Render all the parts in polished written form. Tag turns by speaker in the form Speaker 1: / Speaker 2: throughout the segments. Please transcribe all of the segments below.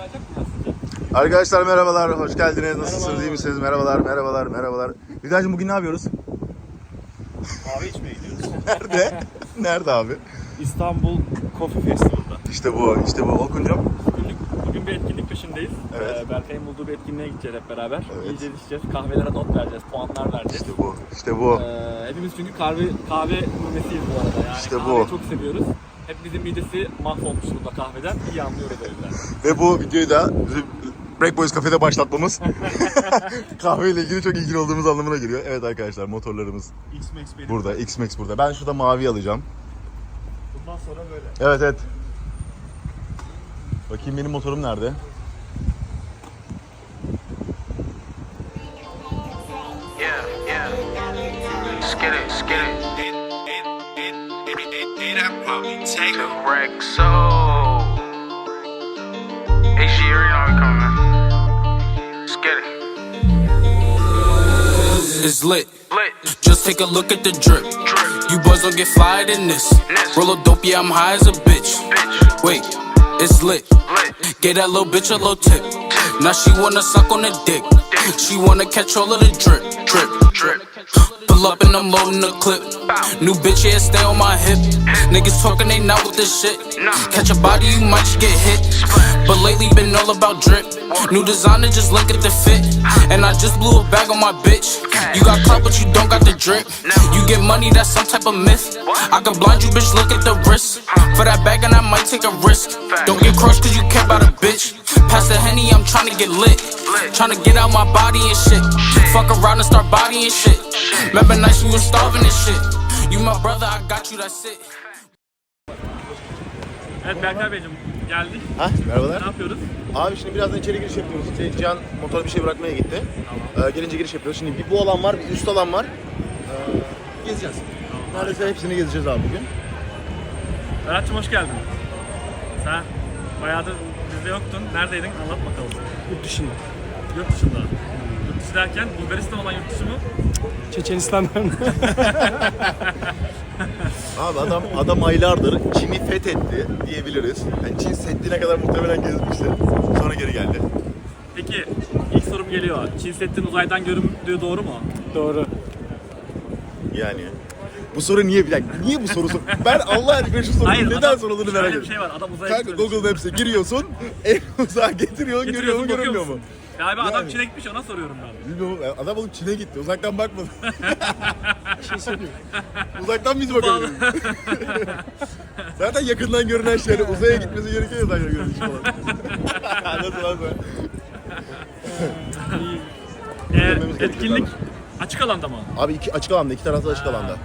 Speaker 1: Arkadaşlar merhabalar, hoş geldiniz. Nasılsınız, iyi misiniz? Merhabalar. Vidacığım bugün ne yapıyoruz?
Speaker 2: Kahve içmeye gidiyoruz.
Speaker 1: Nerede? Nerede abi?
Speaker 2: İstanbul Coffee Festival'da.
Speaker 1: İşte bu. Orkuncuğum.
Speaker 2: Bugün bir etkinlik peşindeyiz.
Speaker 1: Evet.
Speaker 2: Berkay'ın bulduğu bir etkinliğe gideceğiz hep beraber. Evet. Yiyeceğiz, içeceğiz, kahvelere not vereceğiz, puanlar vereceğiz.
Speaker 1: İşte bu.
Speaker 2: Hepimiz çünkü kahve mümesiyiz bu arada. Yani
Speaker 1: İşte
Speaker 2: kahveyi
Speaker 1: bu.
Speaker 2: çok seviyoruz. Hepimizin midesi mahvolmuş burada kahveden. İyi anlıyoruz o yüzden.
Speaker 1: Ve bu videoyu da bizim Break Boys kafede başlatmamız kahveyle ilgili çok ilgili olduğumuz anlamına geliyor. Evet arkadaşlar, motorlarımız
Speaker 2: X-Max benim.
Speaker 1: burada, X-Max burada. Ben şurada mavi alacağım.
Speaker 2: Bundan sonra böyle.
Speaker 1: Evet. Bakayım benim motorum nerede?
Speaker 3: Yeah. Skid it. Take a wreck, so hey, she already know we coming. Skid it.
Speaker 4: It's lit. Just take a look at the drip. You boys don't get fired in this. Roll a dope, yeah, I'm high as a bitch. Wait, it's lit. Get that little bitch a little tip. Now she wanna suck on the dick. She wanna catch all of the drip. Pull up and I'm loading the clip. New bitch, yeah, stay on my hip. Niggas talking, they not with this shit. Catch a body, you might just get hit. But lately been all about drip. New designer, just look at the fit. And I just blew a bag on my bitch. You got clout, but you don't got the drip. You get money, that's some type of myth. I can blind you, bitch, look at the wrist. For that bag, and I might take a risk. Don't get crushed, cause you care about a bitch. Pass the Henny, I'm tryna get lit. Tryna get out my body and shit. Fuck around and start bodying shit. Remember nights we was starving and shit. You my brother, I got you, that's it.
Speaker 2: Evet Berkay Beyciğim geldik.
Speaker 1: Merhabalar.
Speaker 2: Ne yapıyoruz?
Speaker 1: Abi şimdi birazdan içeri giriş yapıyoruz. Cihan motora bir şey bırakmaya gitti. Gelince giriş yapıyoruz. Şimdi bir bu alan var, bir üst alan var. Gezeceğiz. Neredeyse hepsini gezeceğiz abi bugün.
Speaker 2: Berat'cığım hoş geldin. Sen bayağıdır bizde yoktun. Neredeydin? Anlat bakalım.
Speaker 5: Yurt dışında.
Speaker 2: Yurt dışında. Yurt dışı derken Bulgaristan olan yurt dışı mı?
Speaker 5: Çeçenistan'dan.
Speaker 1: Abi adam aylardır Çin'i fethetti diyebiliriz. Yani Çin Seddi'ne kadar muhtemelen gezmişti. Sonra geri geldi.
Speaker 2: Peki ilk sorum geliyor. Çin Seddi'nin uzaydan göründüğü doğru mu?
Speaker 5: Doğru.
Speaker 1: Yani bu soru niye niye bu sorusu? Ben Allah aşkına şu sorunun neden sorulduğunu merak
Speaker 2: ediyorum.
Speaker 1: ediyorum.
Speaker 2: Bir şey var. Adam uzaya
Speaker 1: Kanka
Speaker 2: gitmemiş.
Speaker 1: Google Maps'e giriyorsun, en uzağa getiriyorsun, görüyor mu
Speaker 2: bakıyor
Speaker 1: görünmüyor mu?
Speaker 2: musun? Galiba adam
Speaker 1: Yani.
Speaker 2: Çin'e gitmiş, ona soruyorum ben.
Speaker 1: Bilmiyorum, adam olup Çin'e gitti, uzaktan bakmadı. Bir şey söyleyeyim. Uzaktan biz bakabiliriz. Zaten yakından görünen şey, yani uzaya gitmesi gerekiyor ya uzaktan görünen şey falan. Nasıl?
Speaker 2: Etkinlik açık alanda mı?
Speaker 1: Abi açık alanda, iki tarafta açık alanda.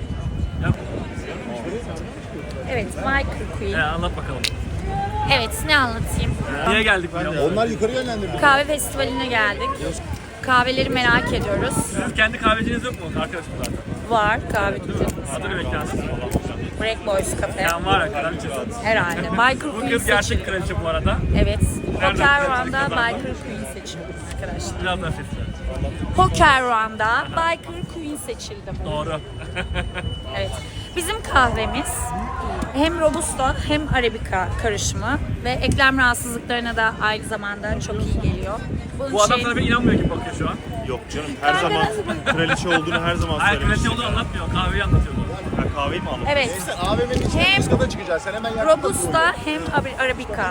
Speaker 6: Evet, Michael Queen.
Speaker 2: Anlat bakalım.
Speaker 6: Evet, ne anlatayım?
Speaker 2: Niye geldik buraya?
Speaker 1: Onlar yukarı yönlendirdi.
Speaker 6: Kahve festivaline geldik. Kahveleri merak ediyoruz.
Speaker 2: Sizin kendi kahveciniz yok mu? Arkadaşım zaten.
Speaker 6: Var kahve dükkanı.
Speaker 2: Adı ne mekanı?
Speaker 6: Break Boys Cafe.
Speaker 2: Yani var ya, kraliçesi.
Speaker 6: Herhalde. Michael
Speaker 2: Bu
Speaker 6: Queen
Speaker 2: kız gerçek
Speaker 6: seçildi.
Speaker 2: kraliçe bu arada.
Speaker 6: Evet.
Speaker 2: Nereden
Speaker 6: Poker
Speaker 2: kraliçe
Speaker 6: Run'da
Speaker 2: kazandı?
Speaker 6: Michael Queen seçildi arkadaşlar.
Speaker 2: Biraz daha sesli.
Speaker 6: Poker Run'da Michael Queen seçildi.
Speaker 2: Doğru.
Speaker 6: Evet. Bizim kahvemiz hem Robusta hem Arabica karışımı ve eklem rahatsızlıklarına da aynı zamanda çok iyi geliyor. Bunun
Speaker 2: Bu adam
Speaker 6: için-
Speaker 2: sana bir inanmıyor gibi bakıyor şu an.
Speaker 5: Yok canım, her zaman kraliçe olduğunu her zaman
Speaker 2: Hayır, kraliçe
Speaker 5: söylemiştim.
Speaker 2: olduğunu anlatmıyor. Kahveyi anlatıyordu.
Speaker 5: Ha, kahveyi mi aldın?
Speaker 6: Evet.
Speaker 1: Neyse AVM'nin içine
Speaker 6: Hem
Speaker 1: üst kata çıkacağız. Sen hemen yakında
Speaker 6: Robusta hem Arabica.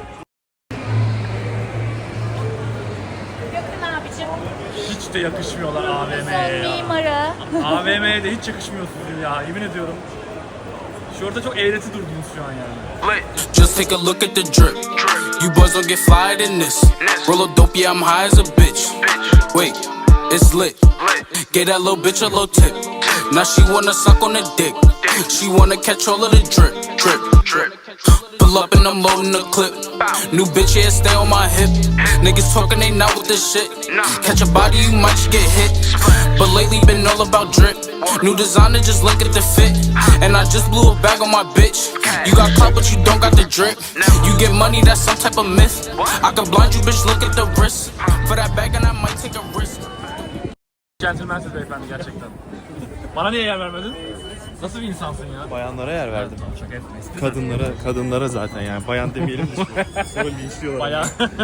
Speaker 6: Yakın abicim.
Speaker 2: Hiç de yakışmıyorlar
Speaker 6: Son
Speaker 2: AVM'ye ya.
Speaker 6: mimarı.
Speaker 2: AVM'ye de hiç yakışmıyorsunuz ya. Yemin ediyorum. Şurada çok eğreti durdunuz şu an yani.
Speaker 4: Just take a look at the drip. You boys don't get fired in this. Roll a dope, yeah, I'm high as a bitch. Wait, it's lit. Get that little bitch a little tip. Now she wanna suck on the dick. She wanna catch all of the drip. Pull up and I'm loading the clip. New bitch, yeah, stay on my hip. Niggas talking, they not with this shit. Catch a body, you might just get hit. But lately been all about drip. New designer, just look at the fit. And I just blew a bag on my bitch. You got clout, but you don't got the drip. You get money, that's some type of myth. I can blind you, bitch, look at the wrist. For that bag, and I might take a risk.
Speaker 2: Gentleman'siz beyefendi gerçekten. Bana niye yer vermedin? Nasıl bir insansın ya?
Speaker 5: Bayanlara yer verdim.
Speaker 2: Şaka etmeyiz.
Speaker 5: Kadınlara zaten yani. Bayan demeyelim de şimdi. Sonra linçliyorlar.
Speaker 2: Bayağı.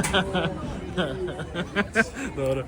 Speaker 2: Doğru.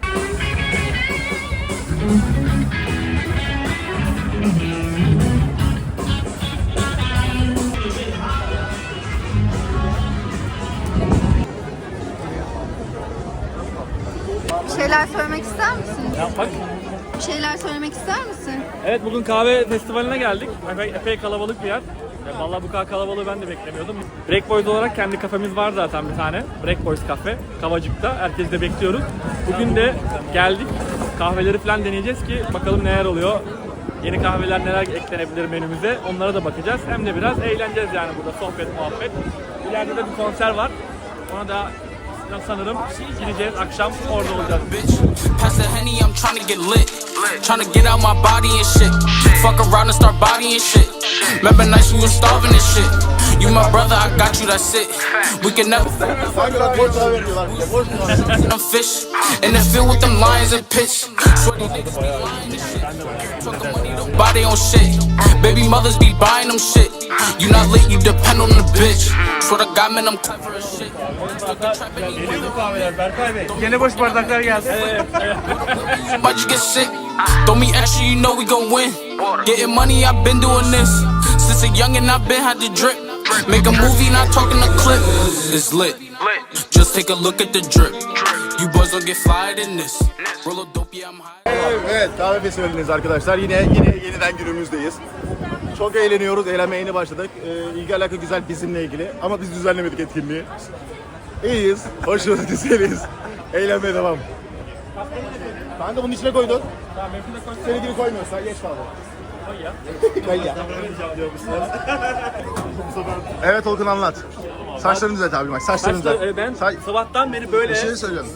Speaker 7: Bir şeyler söylemek ister misin?
Speaker 2: Yapmak.
Speaker 7: Bir şeyler söylemek ister misin?
Speaker 2: Evet, bugün kahve festivaline geldik. Epey kalabalık bir yer. Vallahi bu kadar kalabalığı ben de beklemiyordum. Break Boys olarak kendi kafemiz var zaten bir tane. Break Boys kafe. Kavacık'ta. Herkesi de bekliyoruz. Bugün de geldik. Kahveleri falan deneyeceğiz ki bakalım neler oluyor. Yeni kahveler neler eklenebilir menümüze. Onlara da bakacağız. Hem de biraz eğleneceğiz yani burada. Sohbet, muhabbet. İleride de bir konser var. Ona da sanırım gideceğiz. Akşam orada olacağız.
Speaker 4: bitch. Pass the Henny, I'm tryna get lit. Tryna get out my body and shit. Fuck around and start bodying shit. Remember nights we was starving and shit. You my brother, I got you, that's it. We can never I'm fish in the field with them lions and pitch. Sweaty niggas be lying and shit. Talking money, don't body on shit. Baby mothers be buying them shit. You not lit, you depend on the bitch. Swear to God, man, I'm clever as shit.
Speaker 2: Gene boş bardaklar geldi.
Speaker 4: Might just get sick. Throw me extra, you know we gon' win. Getting money, I've been doing this since a youngin'. I've been had to drip. Make a movie, not talking a clip. It's lit. Just take a look at the drip. You boys don't get fired in this. Roll a dope, yeah, I'm high.
Speaker 1: Evet, kahve festivalindeyiz arkadaşlar. Yine yeniden günümüzdeyiz. Çok eğleniyoruz, eğlenmeye yeni başladık. İlgi alaka güzel bizimle ilgili ama biz düzenlemedik etkinliği. İyiyiz, hoşuz, güzeliz. Eğlenmeye devam. Kanka bunun içine koydun.
Speaker 2: Tamam, benimkini de koy.
Speaker 1: Seni gibi koymuyorsa geç kaldı.
Speaker 2: Koy ya.
Speaker 1: Koy ya. Evet Olgun anlat. Saçlarını düzelt abi bak, saçlarını düzelt.
Speaker 2: Ben
Speaker 1: Sa-
Speaker 2: sabahtan beri böyle.
Speaker 1: Bir şey söylüyorum.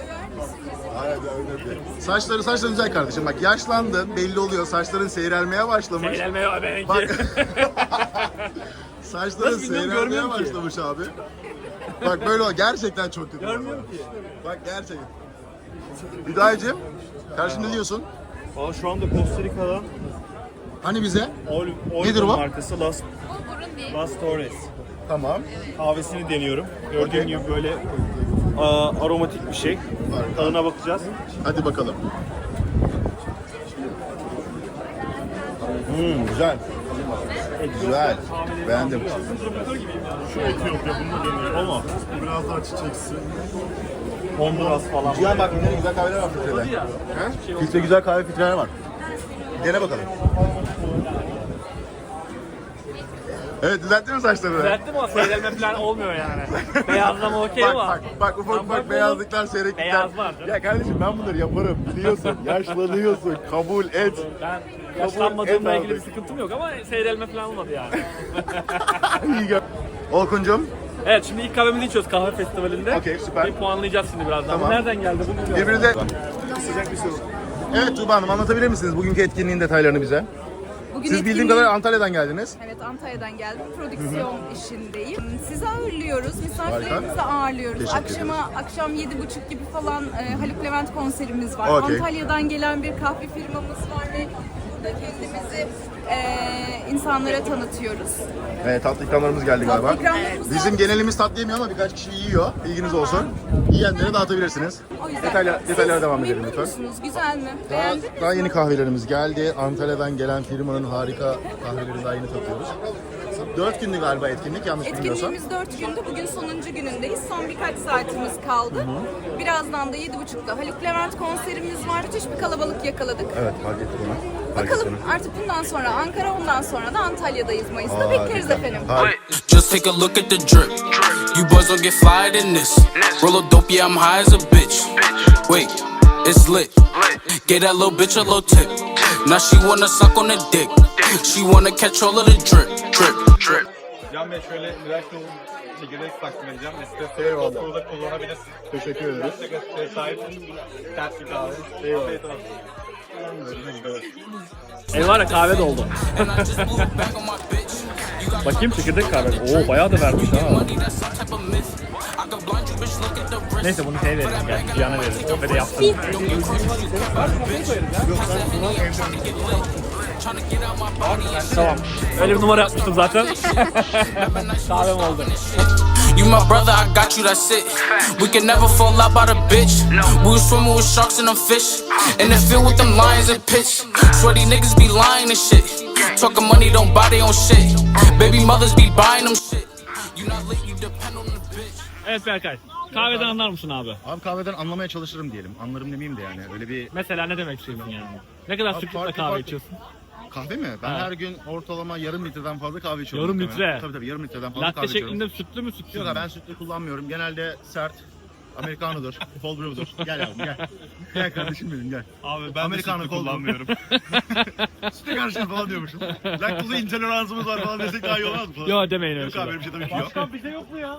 Speaker 1: Saçların güzel kardeşim. Bak yaşlandın, belli oluyor. Saçların seyrelmeye başlamış.
Speaker 2: Eğlenmeye benimki.
Speaker 1: Bak. Saçların
Speaker 2: Nasıl bilmiyorum,
Speaker 1: seyrelmeye
Speaker 2: görmüyorum ki.
Speaker 1: başlamış abi. Bak böyle o gerçekten çok kötü.
Speaker 2: Görmüyorum ki.
Speaker 1: Bak gerçekten. Hüdayıcığım, kardeşim ne diyorsun?
Speaker 5: Valla şu anda Costa Rica'dan
Speaker 1: Hani bize? Nedir
Speaker 5: Nedir
Speaker 1: bu?
Speaker 5: markası Las Torres.
Speaker 1: Tamam.
Speaker 5: Kahvesini deniyorum. Gördüğün
Speaker 1: Okey.
Speaker 5: gibi böyle aromatik bir şey. Tadına bakacağız.
Speaker 1: Hadi bakalım. Güzel. Güzel. Beğendim.
Speaker 5: Şu Etiyopya bunu deniyorum ama biraz daha çiçeksi. Honduras falan.
Speaker 1: Cihan bak yine güzel kahveler var filtrede. He? Filtre güzel kahve filtreler var. Dene bakalım. Evet düzelttin mi saçlarını?
Speaker 2: Düzelttim ama seyrelme falan olmuyor yani. Beyazlama okey ama.
Speaker 1: Bak ufak ufak beyazlıklar, seyreklikler.
Speaker 2: Beyaz var canım.
Speaker 1: Ya kardeşim ben bunları yaparım biliyorsun. Yaşlanıyorsun, kabul et.
Speaker 2: Ben yaşlanmadığımla
Speaker 1: et
Speaker 2: ilgili bir
Speaker 1: abi.
Speaker 2: sıkıntım yok ama seyrelme falan olmadı yani.
Speaker 1: İyi gör. Olkun'cum
Speaker 2: Evet, şimdi ilk kahvemizi içiyoruz kahve festivalinde.
Speaker 1: Okey, süper.
Speaker 2: Bir puanlayacağız şimdi birazdan.
Speaker 1: Tamam.
Speaker 2: Bu nereden geldi? Bu bilmiyorum.
Speaker 1: birbirine... Sıcak bir soru. Evet Tuğba Hanım anlatabilir misiniz bugünkü etkinliğin detaylarını bize?
Speaker 8: Bugün
Speaker 1: Siz bildiğim
Speaker 8: etkinliği-
Speaker 1: kadar Antalya'dan geldiniz.
Speaker 8: Evet, Antalya'dan geldim. Prodüksiyon işindeyim. Sizi ağırlıyoruz, misafirlerimizi ağırlıyoruz.
Speaker 1: Teşekkür
Speaker 8: Akşam 7.30 gibi falan Haluk Levent konserimiz var.
Speaker 1: Okey.
Speaker 8: Antalya'dan gelen bir kahve firmamız var ve burada kendimizi insanlara tanıtıyoruz.
Speaker 1: Evet tatlı ikramlarımız geldi galiba.
Speaker 8: ikramlarımız
Speaker 1: Bizim
Speaker 8: geldi.
Speaker 1: genelimiz tatlı yemiyor ama birkaç kişi yiyor. Bilginiz olsun. Yiyenlere dağıtabilirsiniz.
Speaker 8: O yüzden
Speaker 1: Detaylara
Speaker 8: siz
Speaker 1: devam edelim
Speaker 8: memnun
Speaker 1: lütfen.
Speaker 8: musunuz? Güzel mi? Beğendiniz mi?
Speaker 1: Daha yeni kahvelerimiz geldi. Antalya'dan gelen firmanın harika kahvelerini daha yeni tatıyoruz. 4 günlü galiba etkinlik yanlış bilmiyorsam.
Speaker 8: Etkinliğimiz 4 gündü. Bugün sonuncu günündeyiz. Son birkaç saatimiz kaldı. Birazdan da 7.30'da Haluk Levent konserimiz var. Müthiş bir kalabalık yakaladık.
Speaker 1: Evet fark ettik onu. Fark
Speaker 8: Bakalım
Speaker 1: ettik onu.
Speaker 8: artık bundan sonra Ankara, ondan sonra da Antalya'dayız Mayıs'ta.
Speaker 1: Harika.
Speaker 8: Bekleriz efendim.
Speaker 4: Just take a look at the drip. You boys don't get fired in this. Roll a dope, yeah, I'm high as a bitch. Wait, it's lit. Get that little bitch a little tip. Now she wanna suck on the dick. She wanna catch all of the drip, drip, drip.
Speaker 5: Can Bey şöyle Miraç'la çekirdek takdim edeceğim. Espresso
Speaker 1: Eyvallah.
Speaker 5: burada kullanabilirsin.
Speaker 1: Teşekkür ederiz.
Speaker 5: Espresso sahip ters bir kahve.
Speaker 1: Eyvallah.
Speaker 5: Afiyet olsun.
Speaker 2: El var ya kahve doldu.
Speaker 4: And I just moved back on my bitch.
Speaker 2: Bakayım çekirdek kahve. Oo bayağı da vermiş ha.
Speaker 4: Money, that's some type of myth. I could blind you, bitch, look at the wrist.
Speaker 2: Neyse bunu şey verelim. Gel Cihan'a verelim. Kahve de yaptım.
Speaker 4: Tryna get out my body and shit.
Speaker 2: Tamam. Öyle bir numara yapmıştım zaten. Kahvem oldu.
Speaker 4: You my brother, I got you, that's it. We can never fall out by the bitch. We was swimming with sharks and them fish. In the field with them lions and pitch. Sweaty niggas be lying and shit. Talking money, don't buy their own shit. Baby mothers be buying them shit. You not lit, you depend on the bitch.
Speaker 2: Evet Berkay. Kahveden anlar mısın abi?
Speaker 1: Abi kahveden anlamaya çalışırım diyelim. Anlarım demeyeyim de yani. Öyle bir
Speaker 2: Mesela ne demek istiyorsun yani? Ne kadar
Speaker 1: Abi
Speaker 2: sıklıkla
Speaker 1: farklı
Speaker 2: kahve
Speaker 1: farklı.
Speaker 2: içiyorsun?
Speaker 1: kahve mi? Ben
Speaker 2: Ha.
Speaker 1: her gün ortalama yarım litreden fazla kahve içiyorum.
Speaker 2: Yarım
Speaker 1: muhtemelen.
Speaker 2: litre?
Speaker 1: Tabii yarım litreden fazla
Speaker 2: Latte
Speaker 1: kahve içiyorum.
Speaker 2: şeklinde sütlü mü sütlü
Speaker 1: Yok
Speaker 2: mü?
Speaker 1: abi ben sütlü kullanmıyorum. Genelde sert. Americano'dur, cold brew'dur. Gel yavrum gel. Gel kardeşim benim gel.
Speaker 5: Abi ben
Speaker 1: Americano
Speaker 5: de sütlü
Speaker 1: cold brew.
Speaker 5: kullanmıyorum.
Speaker 1: Sütlü karışım falan diyormuşum. Laktoza intoleransımız var falan desek daha iyi olmaz mı?
Speaker 2: Yok demeyin öyle
Speaker 1: Yok abi
Speaker 2: şeyler.
Speaker 1: öyle bir şey tabii ki yok.
Speaker 2: Başkan bize yok mu ya?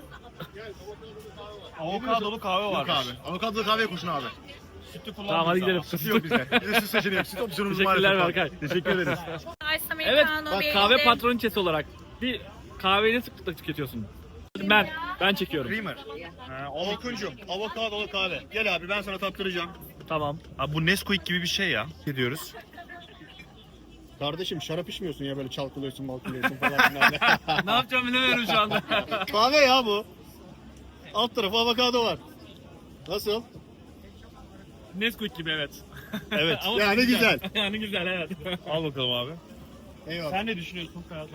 Speaker 5: Avokadolu kahve
Speaker 1: Yok
Speaker 5: varmış.
Speaker 1: abi. Avokadolu kahve koşun abi.
Speaker 5: Sütlü
Speaker 2: Tamam hadi gidelim.
Speaker 1: Süt yok bizde. Bizde süt seçeneği yok. Süt opsiyonumuz
Speaker 2: Teşekkürler
Speaker 1: maalesef var.
Speaker 2: Berkay.
Speaker 1: Teşekkür ederiz.
Speaker 6: Ice
Speaker 2: Evet
Speaker 6: Americano
Speaker 2: bak
Speaker 6: bir
Speaker 2: kahve
Speaker 6: de-
Speaker 2: patroniçesi olarak bir kahveyi ne sıklıkla tüketiyorsun? Ben çekiyorum.
Speaker 5: Creamer. Avokuncum. Avokadolu kahve. Gel abi ben sana tattıracağım.
Speaker 2: Tamam.
Speaker 5: Abi bu Nesquik gibi bir şey ya. Ne diyoruz?
Speaker 1: Kardeşim şarap içmiyorsun ya böyle çalkalıyorsun balkalıyorsun falan filan.
Speaker 2: Ne yapacağım bilemiyorum şu anda.
Speaker 1: Kahve ya bu. Alt tarafı avokado var. Nasıl?
Speaker 2: Nesquik gibi evet.
Speaker 5: Evet.
Speaker 2: Ama
Speaker 1: Yani güzel.
Speaker 2: Yani güzel evet.
Speaker 5: Al bakalım abi.
Speaker 1: Eyvallah.
Speaker 5: Sen ne düşünüyorsun Ferhat?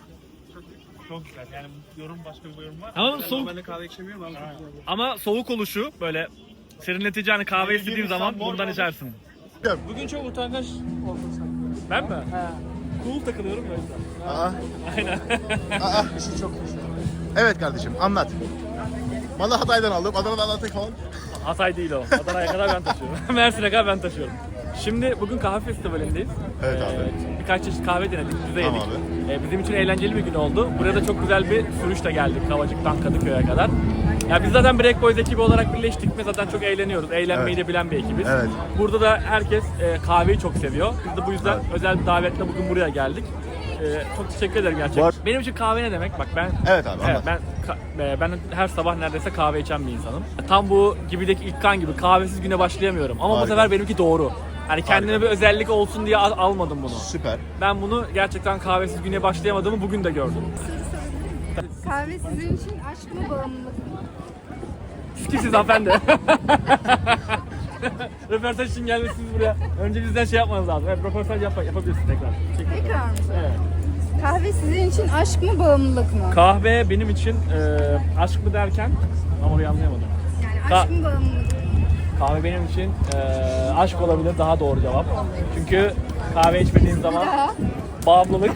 Speaker 5: Çok güzel. Yani yorum başka bir yorum var.
Speaker 2: Ama soğuk,
Speaker 5: Ben de kahve içemiyorum ama.
Speaker 2: ama soğuk oluşu böyle serinletici hani kahve
Speaker 5: Benim
Speaker 2: istediğin
Speaker 5: gibi
Speaker 2: zaman
Speaker 5: sen
Speaker 2: bundan
Speaker 5: mor
Speaker 2: içersin. Bugün çok utangaç oldun sen. Ben mi? He. Cool takılıyorum ya o yüzden.
Speaker 1: Aa,
Speaker 2: Aynen.
Speaker 1: işi çok Evet kardeşim anlat. Malı Hatay'dan aldım. Adana'dan anlattık falan.
Speaker 2: Hatay değil o. Adana'ya kadar ben taşıyorum. Mersin'e kadar ben taşıyorum. Şimdi bugün kahve festivalindeyiz.
Speaker 1: Evet abi.
Speaker 2: Birkaç çeşit kahve denedik, biz de yedik.
Speaker 1: Tamam
Speaker 2: Bizim için eğlenceli bir gün oldu. Buraya da çok güzel bir sürüşle geldik Kavacık'tan Kadıköy'e kadar. Ya biz zaten Break Boys ekibi olarak birleştik ve zaten çok eğleniyoruz. Eğlenmeyi de bilen bir ekibiz.
Speaker 1: Evet.
Speaker 2: Burada da herkes kahveyi çok seviyor. Biz de bu yüzden özel bir davetle bugün buraya geldik. Çok teşekkür ederim gerçekten.
Speaker 1: Var.
Speaker 2: Benim için kahve ne demek? Bak ben
Speaker 1: Evet abi, anlat.
Speaker 2: ben her sabah neredeyse kahve içen bir insanım. Tam bu gibideki İlkan gibi kahvesiz güne başlayamıyorum. Ama bu
Speaker 1: Harika.
Speaker 2: sefer benimki doğru. Yani kendime
Speaker 1: Harika.
Speaker 2: bir özellik olsun diye almadım bunu.
Speaker 1: Süper.
Speaker 2: Ben bunu gerçekten kahvesiz güne başlayamadığımı bugün de gördüm.
Speaker 7: Kahve sizin için aşk mı bağımlılık mı?
Speaker 2: Kimsiniz hanımefendi? Röportaj için gelmişsiniz buraya. Önce bizden şey yapmanız lazım. Evet, röportaj yapabilirsiniz tekrar.
Speaker 7: Tekrar mı?
Speaker 2: Evet.
Speaker 7: Kahve sizin için aşk mı bağımlılık mı?
Speaker 2: Kahve benim için aşk mı derken ama orayı anlayamadım.
Speaker 7: Yani aşk mı bağımlılık mı?
Speaker 2: Kahve benim için aşk olabilir daha doğru cevap. Çünkü kahve içmediğin zaman bağımlılık.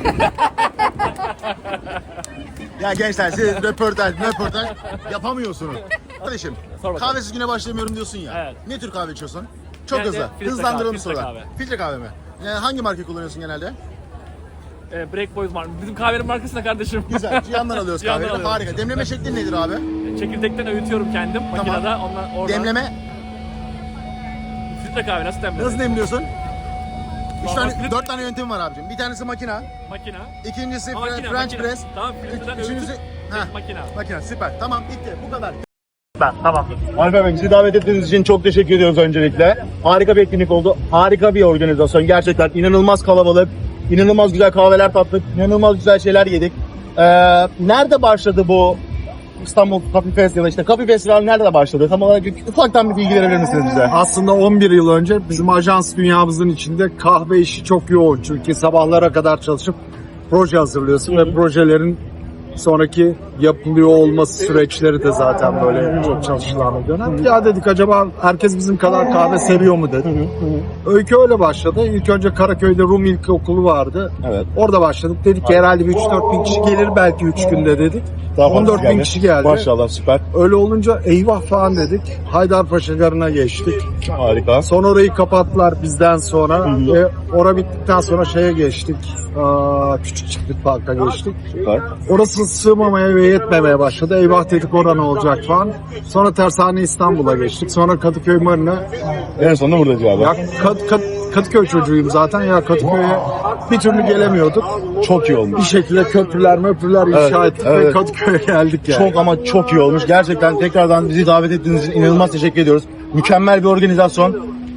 Speaker 1: Ya gençler siz röportaj yapamıyorsunuz. Kardeşim
Speaker 2: Sor bakalım.
Speaker 1: kahvesiz güne başlayamıyorum diyorsun ya.
Speaker 2: Evet.
Speaker 1: Ne tür kahve içiyorsun? Çok
Speaker 2: Genelde
Speaker 1: hızlı.
Speaker 2: filtre
Speaker 1: Hızlandıralım
Speaker 2: kahve, filtre
Speaker 1: sorular.
Speaker 2: kahve.
Speaker 1: Filtre kahve mi? Hangi marka kullanıyorsun genelde?
Speaker 2: Break Boys var. Bizim kahvenin markası ne kardeşim?
Speaker 1: Güzel. Cihan'dan alıyoruz
Speaker 2: Cihan'dan
Speaker 1: kahveyi.
Speaker 2: alıyoruz.
Speaker 1: Harika. Demleme şeklin nedir abi?
Speaker 2: Çekirdekten öğütüyorum kendim makinede. Ondan oradan.
Speaker 1: Demleme
Speaker 2: Filtre kahve nasıl demlenir?
Speaker 1: nasıl demliyorsun?
Speaker 2: Vallahi
Speaker 1: 4 tane yöntem var abicim. Bir tanesi makina,
Speaker 2: Makina.
Speaker 1: ikincisi
Speaker 2: Makina,
Speaker 1: French
Speaker 2: makina.
Speaker 1: press,
Speaker 2: Tamam, filtreden
Speaker 1: üçüncüsü
Speaker 2: öğütüp
Speaker 1: Heh,
Speaker 2: makina.
Speaker 1: makina. Süper. Tamam bitti. Bu kadar.
Speaker 2: Tamam.
Speaker 1: Alper Bey bizi davet ettiğiniz için çok teşekkür ediyoruz öncelikle. Harika bir etkinlik oldu. Harika bir organizasyon. Gerçekten inanılmaz kalabalık. İnanılmaz güzel kahveler tattık. İnanılmaz güzel şeyler yedik. Nerede başladı bu İstanbul Coffee Fest ya da işte Coffee Festival nerede başladı? Tam olarak ufaktan bir bilgi verebilir misiniz bize?
Speaker 9: Aslında 11 yıl önce bizim ajans dünyamızın içinde kahve işi çok yoğun. Çünkü sabahlara kadar çalışıp proje hazırlıyorsun ve projelerin sonraki yapılıyor olması süreçleri de zaten böyle çok çalışılan bir dönem. Ya dedik acaba herkes bizim kadar kahve seviyor mu dedik. Öykü öyle başladı. İlk önce Karaköy'de Rum İlkokulu vardı.
Speaker 1: Evet.
Speaker 9: Orada başladık. Dedik ki herhalde bir 3-4 bin kişi gelir belki 3 günde dedik.
Speaker 1: Daha fazla
Speaker 9: 14 bin kişi geldi.
Speaker 1: Maşallah süper.
Speaker 9: Öyle olunca eyvah falan dedik. Haydarpaşa Garı'na geçtik.
Speaker 1: Harika.
Speaker 9: Sonra orayı kapattılar bizden sonra. Ve ora bittikten sonra şeye geçtik. Küçük Çiftlik Park'a geçtik.
Speaker 1: Süper.
Speaker 9: Orası sığmamaya ve yetmemeye başladı. Eyvah dedik oran olacak falan. Sonra Tersane İstanbul'a geçtik. Sonra Kadıköy Marina.
Speaker 1: En sonunda burada cevabı.
Speaker 9: Ya Kadıköy çocuğuyum zaten. Ya Kadıköy'e bir türlü gelemiyorduk.
Speaker 1: Çok iyi olmuş.
Speaker 9: Bir şekilde köprüler inşa ettik ve
Speaker 1: evet.
Speaker 9: Kadıköy'e geldik yani.
Speaker 1: Çok ama çok iyi olmuş. Gerçekten tekrardan bizi davet ettiğiniz için inanılmaz teşekkür ediyoruz. Mükemmel bir organizasyon.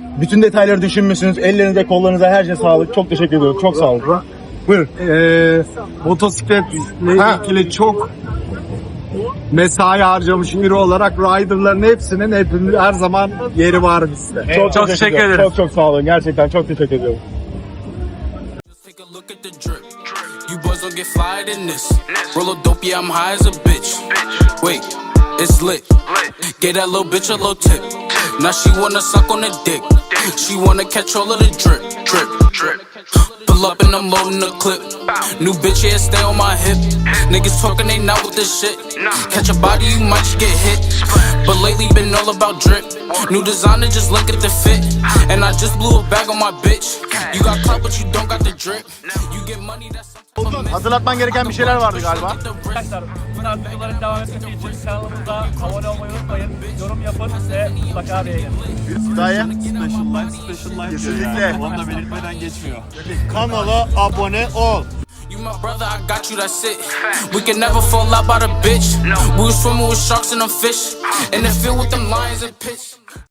Speaker 1: Bütün detayları düşünmüşsünüz. Ellerinize, kollarınıza her şey sağlık. Çok teşekkür ediyorum. Çok sağ olun. Buyurun.
Speaker 9: Motosikletle
Speaker 1: Ha.
Speaker 9: ilgili çok mesai harcamış biri olarak riderların hepsinin her zaman yeri var bizde.
Speaker 1: Çok teşekkür ederim. Çok sağ olun. Gerçekten çok teşekkür ediyorum.
Speaker 4: Just take a look at the drip. You boys don't get fired in this. Roll a dope, yeah, I'm high as a bitch. Wait, it's lit. Get that little bitch a little tip. Now she wanna suck on the dick. She wanna catch all of the drip, drip, drip. Pull up and I'm loading the clip. New bitch, yeah, stay on my hip. Niggas talking, they not with this shit. Catch a body, you might just get hit. But lately been all about drip. New designer, just look at the fit. And I just blew a bag on my bitch. You got clout, but you don't got the drip. You get money, that's
Speaker 1: Hatırlatman gereken bir şeyler vardı galiba.
Speaker 2: Arkadaşlar bu tarz videoların devam etmesi için kanalımıza abone olmayı unutmayın. Yorum yapın ve mutlaka beğenin.
Speaker 1: Dayı.
Speaker 5: Special life
Speaker 1: Kesinlikle.
Speaker 5: yani. Onu da belirtmeden geçmiyor.
Speaker 1: Kanala abone ol.
Speaker 4: You my brother, I got you, that's it. We can never fall out by the bitch. We was swimming with sharks and them fish. In the field with them lions and pitch.